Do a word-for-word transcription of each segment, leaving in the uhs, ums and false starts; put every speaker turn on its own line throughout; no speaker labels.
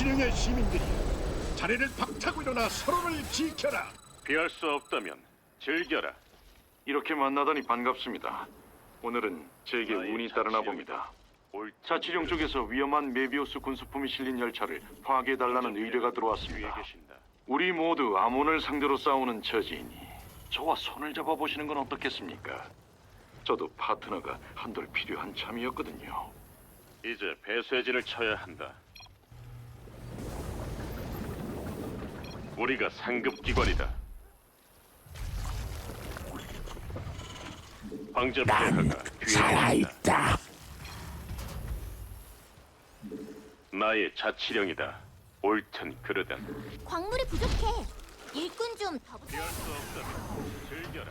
자치령의 시민들이 자리를 박차고 일어나 서로를 지켜라.
피할 수 없다면 즐겨라.
이렇게 만나다니 반갑습니다. 오늘은 제게
나의
운이 따르나
자치령이다.
봅니다.
옳든
자치령
그르든
쪽에서 위험한 메비우스 군수품이 실린 열차를 파괴해달라는 의뢰가
위에
들어왔습니다.
계신다.
우리 모두 아몬을 상대로 싸우는 처지이니 저와 손을 잡아보시는 건 어떻겠습니까? 저도 파트너가 한돌 필요한 참이었거든요.
이제 배쇄진을 쳐야 한다. 우리가 상급 기관이다. 황제 폐하가 뒤에 계신다.
살아있다.
나의 자치령이다. 옳든 그르든
광물이 부족해. 일꾼 좀 더 붙여.
피할 수 없다면 즐겨라.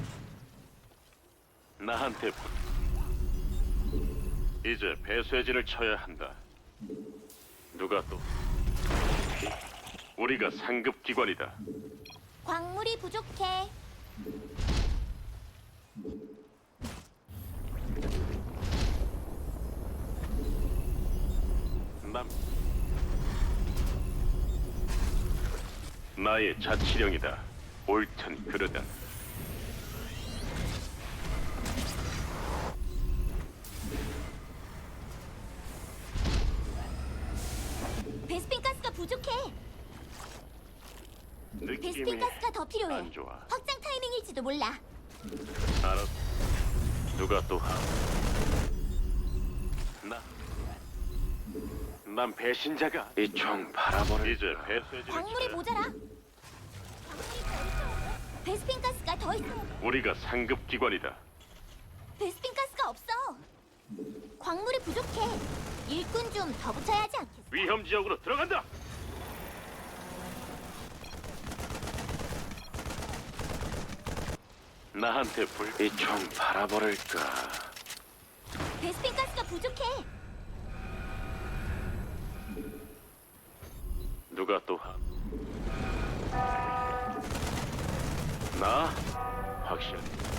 나한테 부... 이제 배쇄진을 쳐야 한다. 누가 또 우리가 상급 기관이다.
광물이 부족해.
남 나의 자치령이다. 옳든 그르든
베스핀 가스가 부족해.
느낌이
베스핀 가스가 더 필요해.
안 좋아.
확장 타이밍일지도 몰라.
알았어. 누가 또 하? 나. 난 배신자가.
이 총 바라보를
이제 배쇄진을
광물이
쳐야.
모자라. 광물이 더 있어. 베스핀 가스가 더 있어.
우리가 상급 기관이다.
베스핀 가스가 없어. 광물이 부족해. 일꾼 좀 더 붙여야 하지 않겠어?
위험 지역으로 들어간다. 나한테 불.
이 총 바라버릴까?
베스핀 가스가 부족해.
누가 또 하? 나 확실.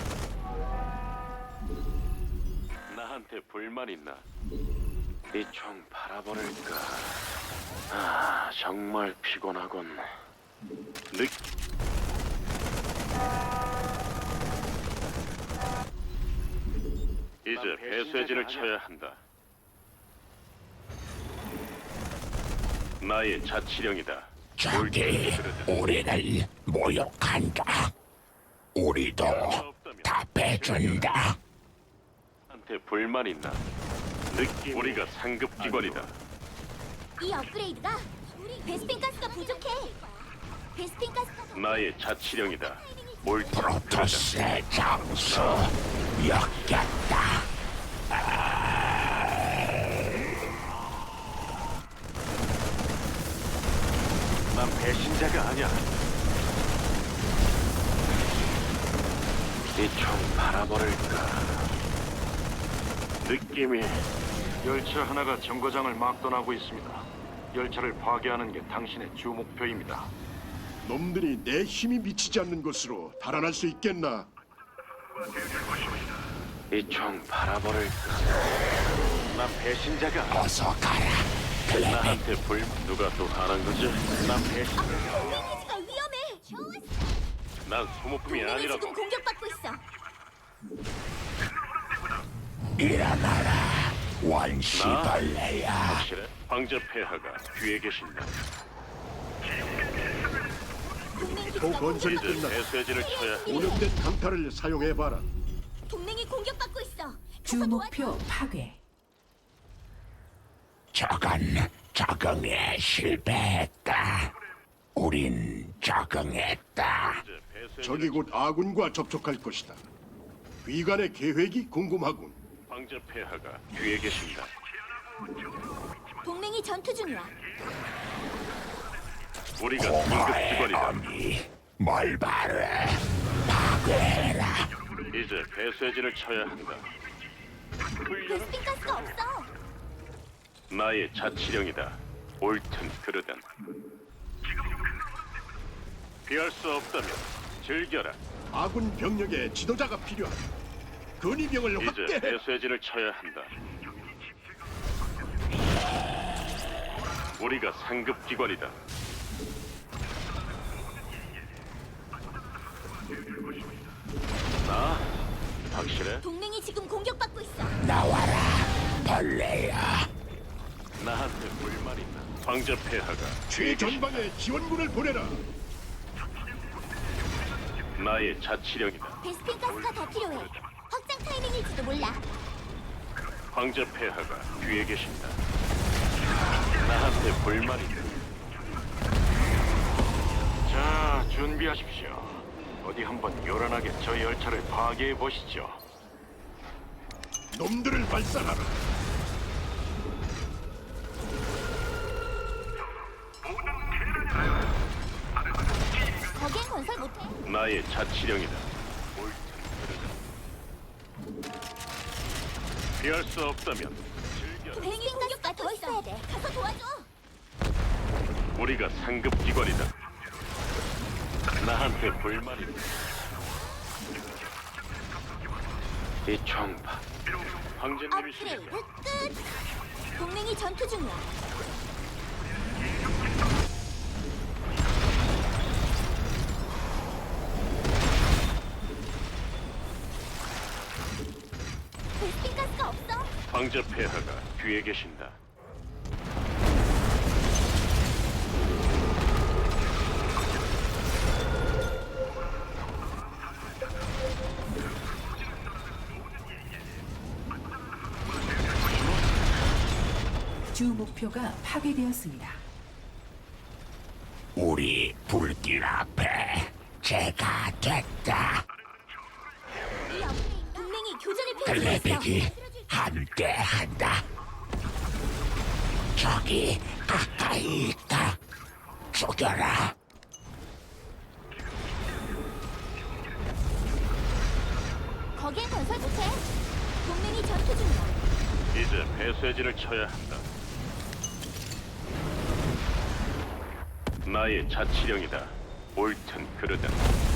나한테 불만 있나?
이 총 바라버릴까? 아, 정말 피곤하군.
느. 이제 배쇄진을 쳐야 한다. 나의 자치령이다.
적이 우리를 모욕한다. 우리도 답해준다.
한테 불만 있나? 느낌. 우리가 상급 기관이다.
이 업그레이드가 우리 베스핀 가스가 부족해. 베스핀 가스가 더
나의 자치령이다. 옳든 그르든
프로토스의 장수 역겹다.
난 배신자가 아니야.
이 총 바라버릴까?
느낌이
열차 하나가 정거장을 막 떠나고 있습니다. 열차를 파괴하는 게 당신의 주 목표입니다.
놈들이 내 힘이 미치지 않는 곳으로 달아날 수 있겠나?
이 총 바라버릴까?
난 배신자가.
어서 가라. 클레멘.
나한테 불 누가 또 하는 거지? 난 배신.
페이지가 위험해. 좋았어.
난 소모품이
동맹이
아니라고.
지금 공격받고 있어.
일어나라. 원시벌레야.
확실해? 황제 폐하가 뒤에 계신다.
동맹
또
기지가
건설이
이제
공격받고
끝났다.
배쇄진을 쳐야 한다.
오염된 강타를 사용해봐라.
동맹이 공격받고 있어.
주
가서
목표
도와줘.
파괴.
적은 적응에 실패했다. 우린 적응했다.
이제 배쇄진을
적이 곧 아군과 접촉할 것이다. 위관의 계획이 궁금하군.
황제 폐하가 뒤에 계신다.
동맹이 전투 중이야.
우리가 상급
공허의
기관이다.
어미 뭘 바래. 파괴해라.
이제 배쇄진을 쳐야 한다. 훈련은
베스핀 가스가 없어.
나의 자치령이다. 옳든 그르든 피할 수 없다면 즐겨라.
아군 병력의 지도자가 필요하다. 근위병을
이제
확대해.
배쇄진을 쳐야 한다. 우리가 상급 기관이다. 나 확실해?
동맹이 지금 공격받고 있어.
나와라, 벌레야.
나한테 불만 있나? 황제 폐하가
최전방에 지원군을 보내라.
나의 자치령이다.
베스핀 가스가 더 필요해. 확장 타이밍일지도 몰라.
황제 폐하가 뒤에 계신다. 나한테 불만 있다.
자, 준비하십시오. 어디 한번 요란하게 저 열차를 파괴해 보시죠.
놈들을 발산하라.
거기엔 건설 못해.
나의 자치령이다. 피할 수 없다면 즐겨.
베스핀 가스가 더 있어야 돼. 가서 도와줘.
우리가 상급 기관이다. 나한테 불만 있다. 이 총파 황제님이시니까
업그레이드 끝. 동맹이 전투 중이야. 베스핀 가스가 없어.
황제 폐하가 뒤에 계신다.
주 목표가 파괴되었습니다.
우리 불길 앞에 제가 됐다.
이 업그레이드. 동맹이 교전을 펼치고
글래빅이
있어.
함께한다. 저기 가까이 있다. 죽여라.
거기엔 건설 못해. 동맹이 전투 중이야.
이제 배쇄진을 쳐야 한다. 나의 자치령이다. 옳든 그르든.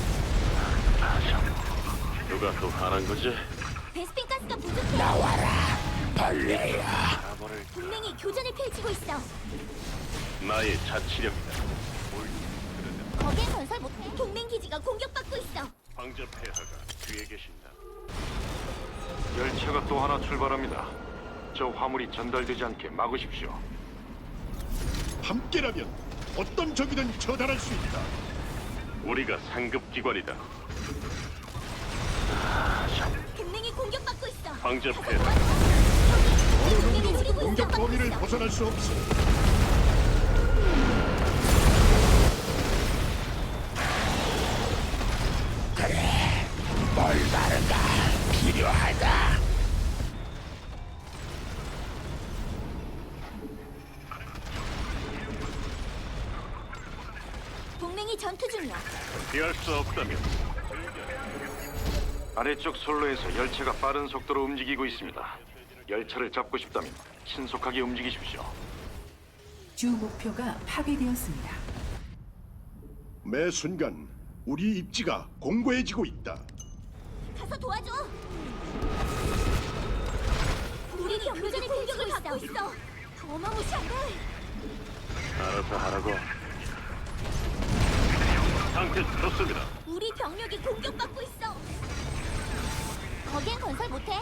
누가 또 화난 거지?
베스핀 가스가 부족해.
나와라, 벌레야.
바보를
동맹이 교전을 펼치고 있어.
나의 자치령이다. 옳든 그르든.
거기엔 건설 못해. 동맹 기지가 공격받고 있어.
황제 폐하가 뒤에 계신다.
열차가 또 하나 출발합니다. 저 화물이 전달되지 않게 막으십시오.
함께라면 어떤 적이든 처단할 수 있다.
우리가 상급 기관이다.
동맹이 공격받고 있어.
황제
가서
폐하
도와줘.
어느
동맹이
놈도
지금
공격
공격받고
범위를
있어.
벗어날 수 없어.
그래, 멀바르가 필요하다.
동맹이 전투 중이야.
피할 수 없다면
아래쪽 선로에서 열차가 빠른 속도로 움직이고 있습니다. 열차를 잡고 싶다면 신속하게 움직이십시오.
주 목표가 파괴되었습니다.
매 순간 우리 입지가 공고해지고 있다.
가서 도와줘. 우리 교전의 공격을 받고 있어. 어마무시한데.
알아서 하라고. 상태 좋습니다.
우리 병력이 공격받고 있어. 거기엔 건설 못해.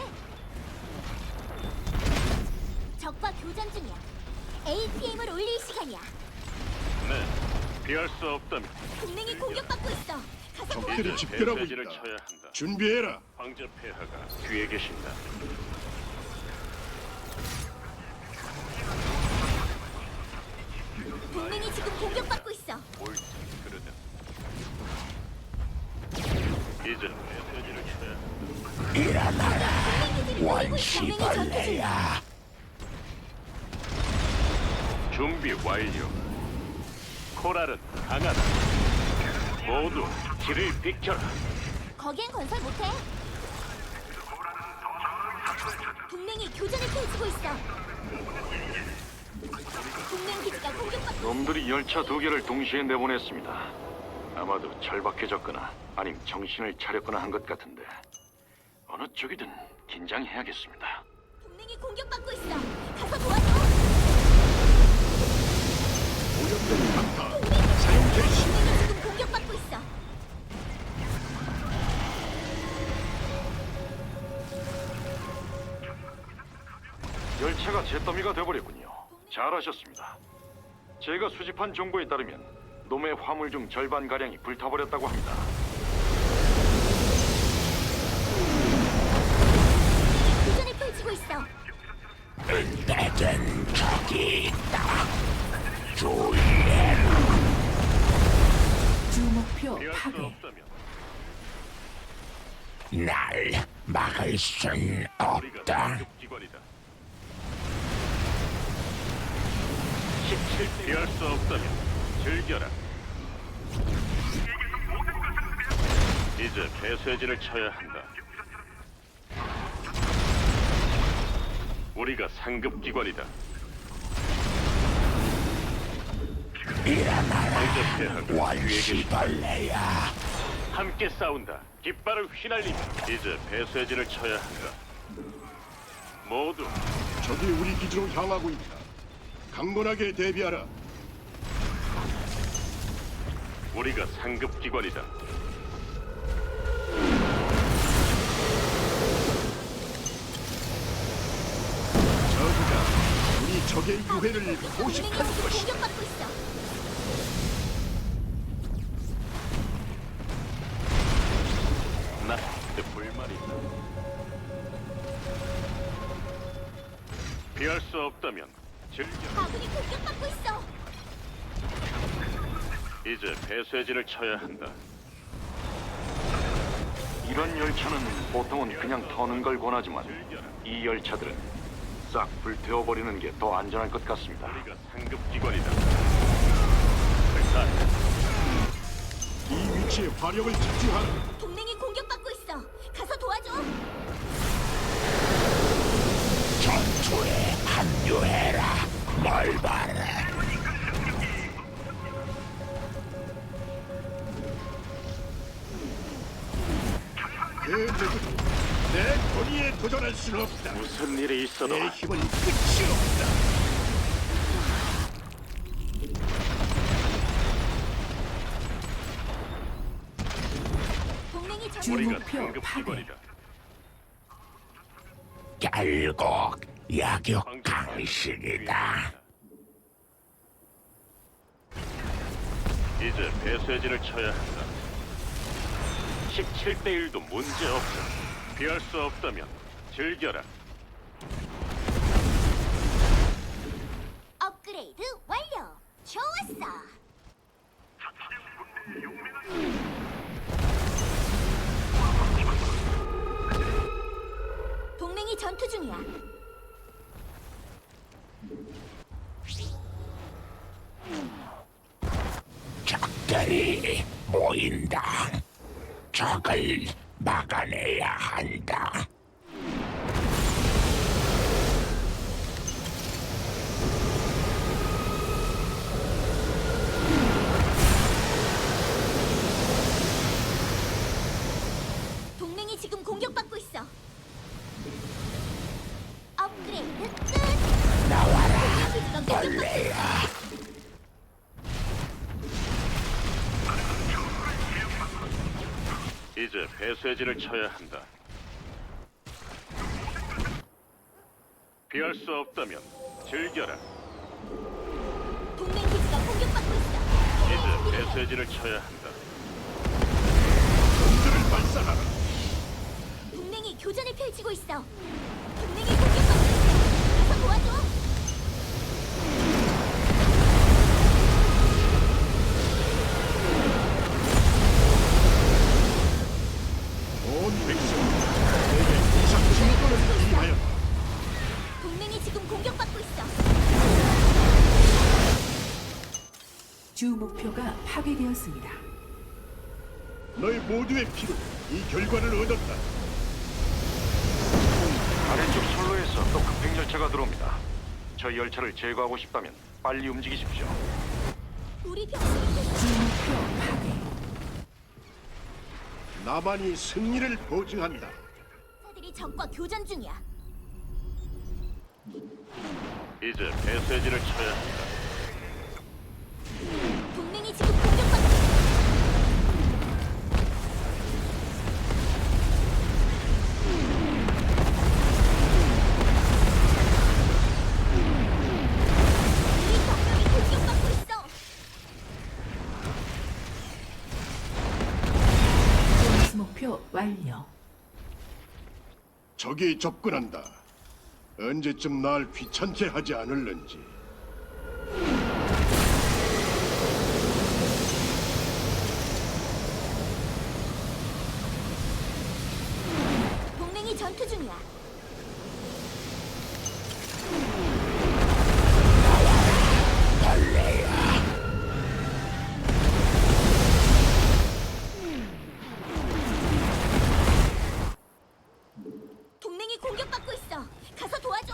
적과 교전 중이야. 에이피엠을 올릴 시간이야.
네, 피할 수 없다면
동맹이 공격받고 있어. 가서 도와줘.
적들이 집결하고
배쇄진을
있다.
쳐야 한다.
준비해라.
황제 폐하가 뒤에 계신다.
동맹이 지금 공격받고 있어.
옳든 그르든. 이제 배쇄진을 쳐야 한다.
일어나라,
동맹 기지를 노리고 있어. 동맹이 전투 중이야.
원시벌레야.
준비 완료. 코랄은 강하다. 모두 길을 비켜라.
거기엔 건설 못해. 동맹이 교전을 펼치고 있어. 동맹 기지가 공격받고
놈들이 열차 두 개를 동시에 내보냈습니다. 아마도 절박해졌거나 아님 정신을 차렸거나 한 것 같은데 어느 쪽이든 긴장해야겠습니다.
동맹이 공격받고 있어. 가서 도와줘.
오염된 강타 사용 개시.
동맹이 지금 공격받고 있어.
열차가 잿더미가 돼버렸군요. 잘하셨습니다. 제가 수집한 정보에 따르면 놈의 화물 중 절반 가량이 불타버렸다고 합니다.
교전을 펼치고 있어.
은폐된 적이 있다. 주의해라.
주목표
피할 수
파괴.
없다면
날 막을 순
우리가
없다.
상급기관이다. 십칠 대 피할 수 없다면 즐겨라. 이제 배쇄진을 쳐야 한다. 우리가 상급기관이다.
일어나라.
황제 폐하가 뒤에
원시벌레야.
함께 싸운다. 깃발을 휘날리며 이제 배쇄진을 쳐야 한다. 모두
적이 우리 기지로 향하고 있다. 강건하게 대비하라.
우리가 상급기관이다.
저그가 우리 적의 유해를
동맹이
포식할
지금
것이다.
공격받고 있어.
나 불만이 있다. 피할 수 없다면 즐겨.
아군이 공격받고 있어.
이제 배쇄진을 쳐야 한다.
이런 열차는 보통은 그냥 터는 걸 권하지만 이 열차들은 싹 불태워버리는 게 더 안전할 것 같습니다.
우리가 상급기관이다. 자,
이 위치에 화력을 집중하라.
동맹이 공격받고 있어. 가서 도와줘.
전투에 합류해라. 뭘 봐라.
그 누구도 내 권위에 도전할 수는 없다.
무슨 일이 있어도
내 힘은 끝이 없다.
동맹이 전
주-
우리가
목표
상급기관이다.
결국 약육 강식이다.
이제 배쇄진을 쳐야 한다. 십칠 대 일도 문제 없어. 피할 수 없다면 즐겨라.
업그레이드 완료. 좋았어. 동맹이 전투 중이야.
적들이 모인다. 적을 막아내야 한다.
동맹이 지금 공격받고 있어. 업그레이드 끝.
나와라.
기지가 공격받고
벌레야.
이제 배쇄진을 쳐야 한다. 피할 수 없다면 즐겨라.
동맹 기지가 공격받고 있어.
이제 배쇄진을 쳐야 한다.
검들을 발사하라.
동맹이 교전을 펼치고 있어. 동맹이 공격받고 있어. 가서 도와줘.
온 백성 내게 이상 진권을 위하여
동맹이 지금 공격받고 있어.
주 목표가 파괴되었습니다.
너희 모두의 피로 이 결과를 얻었다.
아래쪽 선로에서 또 급행 열차가 들어옵니다. 저 열차를 제거하고 싶다면 빨리 움직이십시오.
우리 병력이
주 목표 파괴.
나만이 승리를 보증한다.
사들이 적과 교전 중이야.
이제 배쇄진을 쳐야 한다.
적이 접근한다. 언제쯤 날 귀찮게 하지 않을는지.
동맹이 전투 중이야. 동맹이 공격받고 있어. 가서 도와줘.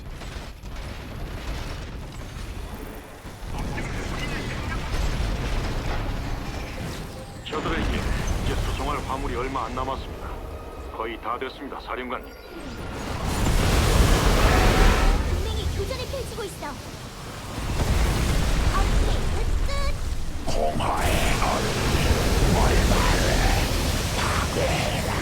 저들에게 이제 수송할 화물이 얼마 안 남았습니다. 거의 다 됐습니다, 사령관님.
동맹이 교전을 펼치고 있어. 업그레이드 끝.
공허의 얼음이 몰마를 파괴해라.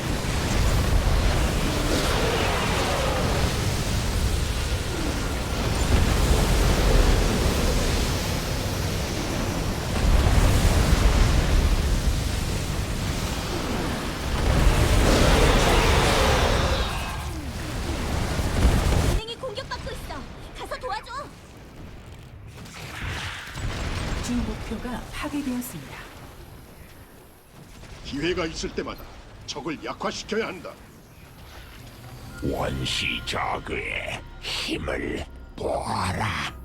동맹이 공격받고 있어. 가서 도와줘.
주 목표가 파괴되었습니다.
기회가 있을 때마다 적을 약화시켜야 한다.
원시 저그의 힘을 보아라.